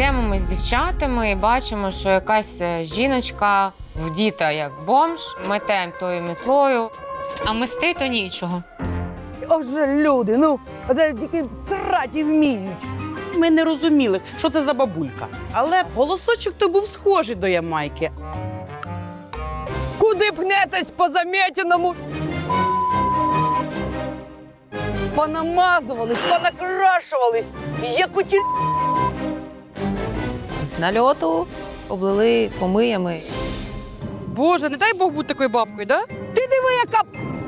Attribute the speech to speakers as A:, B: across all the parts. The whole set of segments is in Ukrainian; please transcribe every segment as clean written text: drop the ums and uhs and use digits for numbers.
A: Йдемо з дівчатами і бачимо, що якась жіночка вдіта як бомж, метем тою мітлою, а мести то нічого.
B: Отже, люди, ну, оце тільки сраті вміють.
C: Ми не розуміли, що це за бабулька. Але голосочок то був схожий до Ямайки.
B: Куди пнетесь по замітеному? Понамазувались, понакрашувались, як у ті...
D: З нальоту облили помиями.
C: Боже, не дай Бог бути такою бабкою, да?
B: Ти диви, яка...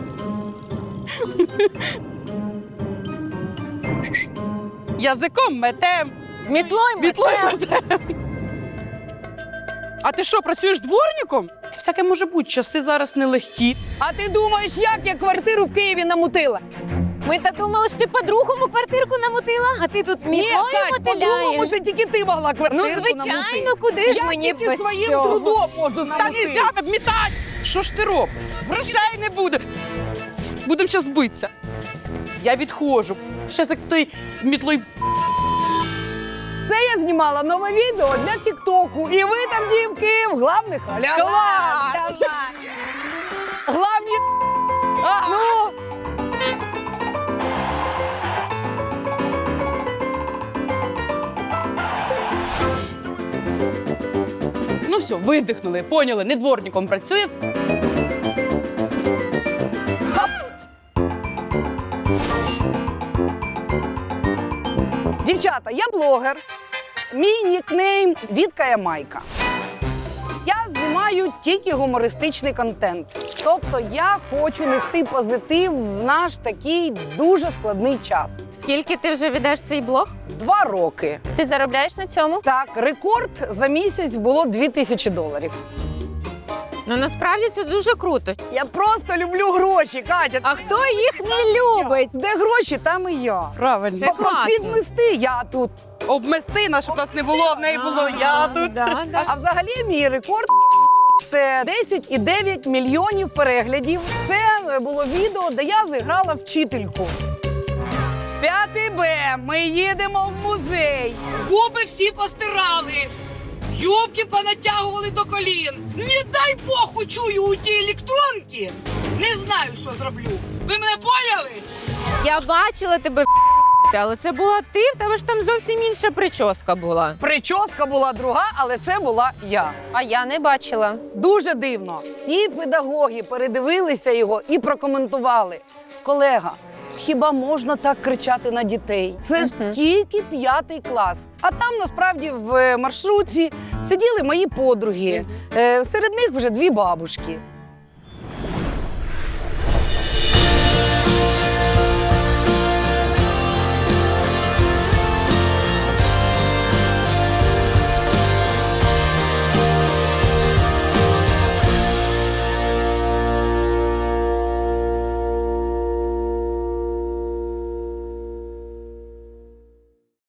C: Язиком метем.
D: Мітлою
C: метем. А ти що, працюєш дворником? Всяке може бути, часи зараз нелегкі.
B: А ти думаєш, як я квартиру в Києві намутила?
D: Ми так думали, що ти по-другому квартирку намутила, а ти тут мітлою
B: по-другому,
D: мотиляєш.
B: це тільки ти могла квартиру
D: Ну,
B: намутити.
D: звичайно, куди ж
B: Я
D: мені
B: тільки
D: без
B: своїм
D: цього?
B: трудом можу
C: Та
B: намутити.
C: нельзя обмітати! Що ж ти робиш? Грошей не буде. Будемо зараз битися. Я відходжу. Щас як той мітлою.
B: Це я знімала нове відео для Тіктоку. І ви там, дівки, в главних ролях.
C: Клас!
B: Главні... Ну...
C: Ну все, видихнули, поняли, не дворником працює.
B: Дівчата, я блогер. Мій нікнейм Вітка Ямайка. Я знімаю тільки гумористичний контент. Тобто я хочу нести позитив в наш такий дуже складний час.
D: Скільки ти вже ведеш свій блог?
B: 2 роки.
D: Ти заробляєш на цьому?
B: Так, рекорд за місяць було $2000.
A: Ну, насправді це дуже круто.
B: Я просто люблю гроші, Катя.
D: А хто їх не любить?
B: Де гроші, там і я.
C: Правильно.
A: Це класно.
B: Підмести я тут.
C: Обмести, щоб нас не було, в неї було я тут.
A: Да, да.
B: А взагалі мій рекорд це 10,9 мільйонів переглядів. Це було відео, де я зіграла вчительку. 5 Б. Ми їдемо в музей.
E: Губи всі постирали, юбки понатягували до колін. Не дай Бог учую у ті електронки. Не знаю, що зроблю. Ви мене поняли?
A: Я бачила тебе, але це була ти, в тебе ж там зовсім інша прическа була.
B: Прическа була друга, але це була я.
D: А я не бачила.
B: Дуже дивно. Всі педагоги передивилися його і прокоментували. Колега, хіба можна так кричати на дітей? Це тільки 5 клас. А там насправді в маршрутці сиділи мої подруги. Серед них вже 2 бабушки.